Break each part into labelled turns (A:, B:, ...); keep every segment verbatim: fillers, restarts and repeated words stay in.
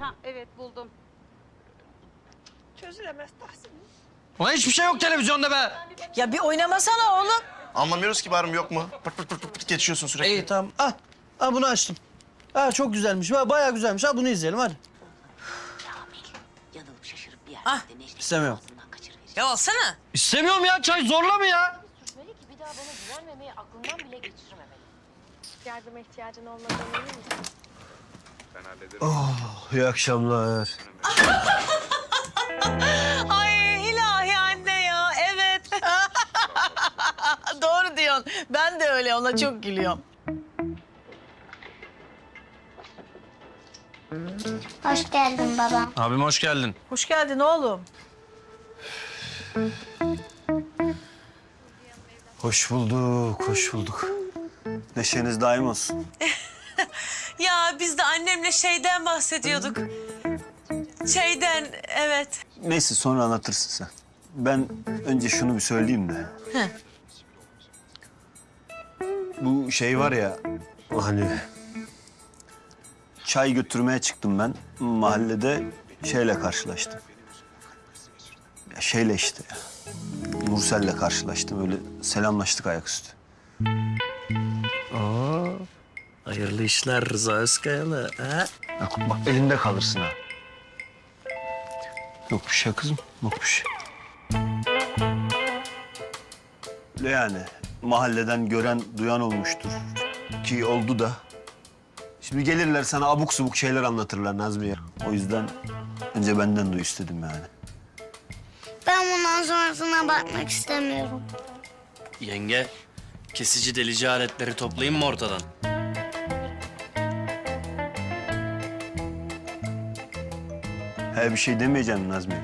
A: Ha evet buldum.
B: Çözülemez Tahsin.
C: Ulan hiçbir şey yok televizyonda be.
B: Ya bir oynamasana oğlum.
D: Anlamıyoruz ki bağırım yok mu? Pırt pırt pırt pırt geçiyorsun sürekli.
C: İyi tamam. Ah, ah bunu açtım. Ah çok güzelmiş. Ha, bayağı güzelmiş. Ha bunu izleyelim hadi.
E: Yanılıp şaşırıp bir yerde
B: Ah.
E: Necdet'in
C: İstemiyorum.
E: ağzından kaçırıverecek.
B: Ya alsana.
C: İstemiyorum ya. Çay zorla mı ya?
F: Sürmeli ki bir daha bana güvenmemeyi aklından bile geçirmemeli. Yardıma ihtiyacın olmadığını emin misin?
C: İyi akşamlar.
B: Ay ilahi anne ya, evet. Doğru diyorsun. Ben de öyle, ona çok gülüyorum.
G: Hoş geldin baba.
C: Abim hoş geldin.
B: Hoş geldin oğlum.
H: Hoş bulduk, hoş bulduk. Neşeniz daim olsun.
B: Ya biz de annemle şeyden bahsediyorduk. Şeyden, evet.
H: Neyse sonra anlatırsın sen. Ben önce şunu bir söyleyeyim de.
B: Heh.
H: Bu şey var ya, hani... Çay götürmeye çıktım ben. Mahallede şeyle karşılaştım. Ya şeyle işte ya. Nursel'le karşılaştım. Öyle selamlaştık ayaküstü.
C: Aa, hayırlı işler Rıza Özkayalı. Ha? Bak, bak elinde kalırsın ha.
H: Yok bir şey kızım, yok bir şey. Öyle yani mahalleden gören, duyan olmuştur. Ki oldu da. Şimdi gelirler sana abuk subuk şeyler anlatırlar Nazmiye. O yüzden önce benden duy istedim yani.
G: Ben bundan sonrasına bakmak istemiyorum.
I: Yenge, kesici delici aletleri toplayayım mı ortadan?
H: He bir şey demeyeceğim Nazmiye.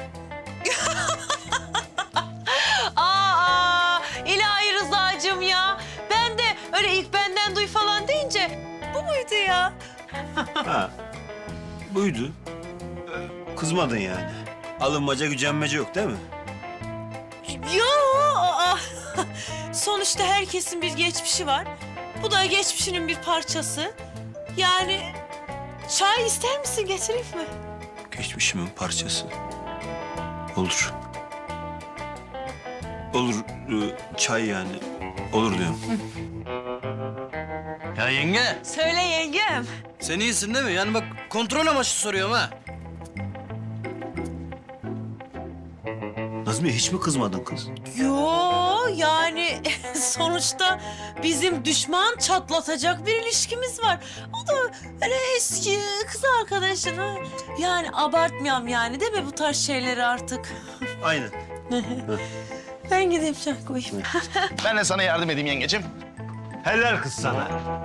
B: Aa, ilahi Rıza'cığım ya. Ben de öyle ilk benden duy falan deyince bu muydu ya?
H: Ha, buydu. Ee, Kızmadın yani. Alınmaca, gücenmece yok değil mi?
B: Yo, aa. Sonuçta herkesin bir geçmişi var. Bu da geçmişinin bir parçası. Yani çay ister misin, getireyim mi?
H: Geçmişimin parçası. Olur. Olur, ee, çay yani. Olur diyorum.
I: Ya yenge,
B: Söyle yengem.
I: sen iyisin değil mi? Yani bak kontrol amaçlı soruyorum ha.
H: Nazmiye hiç mi kızmadın kız?
B: Yo, yani sonuçta bizim düşman çatlatacak bir ilişkimiz var. O da öyle eski kız arkadaşına. Yani abartmayalım yani değil mi bu tarz şeyleri artık?
H: Aynen.
B: Ben gideyim çay koyayım.
D: Ben de sana yardım edeyim yengecim.
H: Helal kız sana.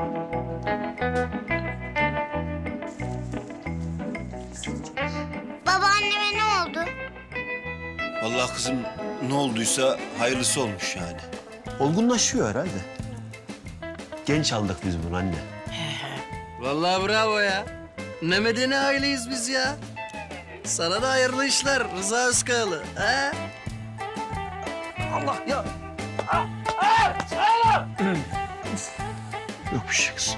G: Babaanneme ne oldu?
H: Vallahi kızım ne olduysa hayırlısı olmuş yani. Olgunlaşıyor herhalde. Genç aldık biz bunu anne.
I: Vallahi bravo ya. Ne medeni aileyiz biz ya. Sana da hayırlı işler Rıza Özkayalı. Ha?
C: Allah ya.
H: Yok bir şey kızım.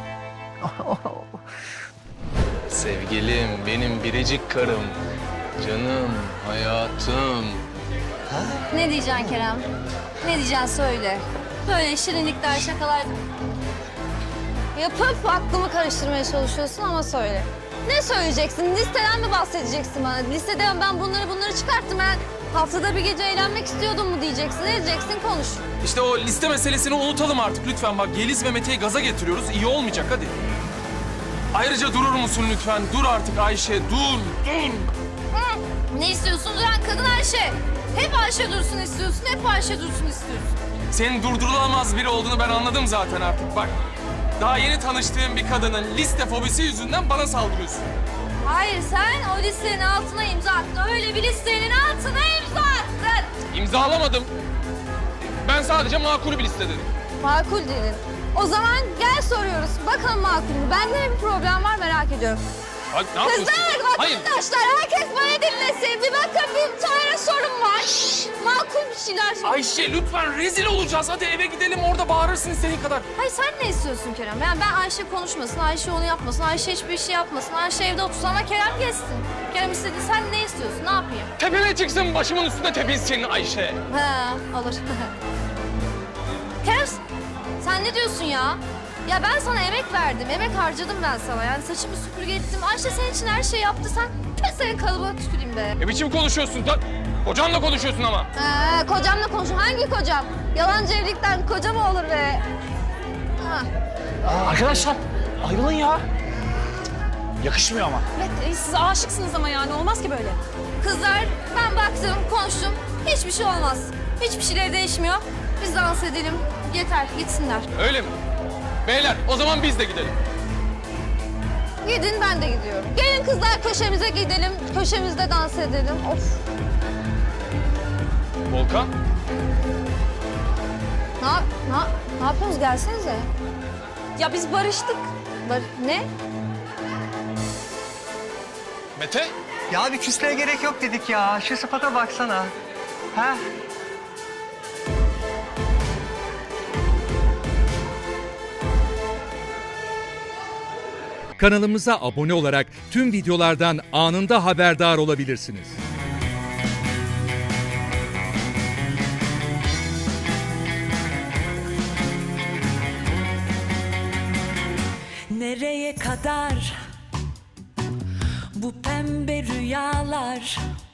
J: Sevgilim, benim biricik karım. Canım, hayatım.
F: Ne diyeceksin Kerem? Ne diyeceksin söyle. Böyle şirinlikler, şakalar yapıp aklımı karıştırmaya çalışıyorsun ama söyle. Ne söyleyeceksin? Listeden mi bahsedeceksin bana? Listeden ben bunları bunları çıkarttım. Ben haftada bir gece eğlenmek istiyordum mu diyeceksin. Ne diyeceksin? Konuş.
J: İşte o liste meselesini unutalım artık lütfen. Bak Yeliz ve Mete'yi gaza getiriyoruz. İyi olmayacak hadi. Ayrıca durur musun lütfen? Dur artık Ayşe, dur, dur.
F: Hı. Ne istiyorsun duran kadın Ayşe? Hep Ayşe dursun istiyorsun, hep Ayşe dursun istiyorsun.
J: Senin durdurulamaz biri olduğunu ben anladım zaten artık. Bak, daha yeni tanıştığım bir kadının liste fobisi yüzünden bana saldırıyorsun.
F: Hayır, sen o listenin altına imza attın. Öyle bir listenin altına imza attın.
J: İmzalamadım. Ben sadece makul bir liste dedim.
F: Makul dedin. O zaman gel soruyoruz. Bakalım makul mü? Bende ne bir problem var merak ediyorum.
J: Hadi, ne yapıyorsun?
F: Kızlar,
J: Hayır.
F: vatandaşlar herkes bana dinlesin. Bir bakın bir tane sorun var. Makul bir şeyler söyle.
J: Ayşe lütfen rezil olacağız. Hadi eve gidelim orada bağırırsın istediğin kadar.
F: Hayır sen ne istiyorsun Kerem? Yani ben Ayşe konuşmasın, Ayşe onu yapmasın, Ayşe hiçbir şey yapmasın, Ayşe evde otursun ama Kerem geçsin. Kerem istedi, sen ne istiyorsun? Ne yapayım?
J: Tepeme çıksın başımın üstünde tepinsin Ayşe.
F: He, olur. Kerem, sen ne diyorsun ya? Ya ben sana emek verdim, emek harcadım ben sana. Yani saçımı süpürge ettim. Ayşe senin için her şeyi yaptı. Sen ben senin kalıbına tüküreyim be.
J: Ne biçim konuşuyorsun? Da, kocanla konuşuyorsun ama.
F: He, kocamla konuş. Hangi kocam? Yalancı evlilikten koca mı olur be? Ha.
C: Arkadaşlar ayrılın ya. Yakışmıyor ama.
F: Evet, siz aşıksınız ama yani olmaz ki böyle. Kızlar ben baktım, konuştum. Hiçbir şey olmaz. Hiçbir şeyler değişmiyor. Biz dans edelim. Yeter, gitsinler.
J: Öyle mi? Beyler o zaman biz de gidelim.
F: Gidin ben de gidiyorum. Gelin kızlar köşemize gidelim. Köşemizde dans edelim. Of.
J: Volkan.
F: Ne, yap- ne, yap- ne yapıyorsunuz? Gelsenize. Ya biz barıştık. Bar ne?
J: Mete.
A: Ya bir küsleye gerek yok dedik ya. Şu sıfata baksana. Ha?
E: Kanalımıza abone olarak tüm videolardan anında haberdar olabilirsiniz.
K: Nereye kadar bu pembe rüyalar?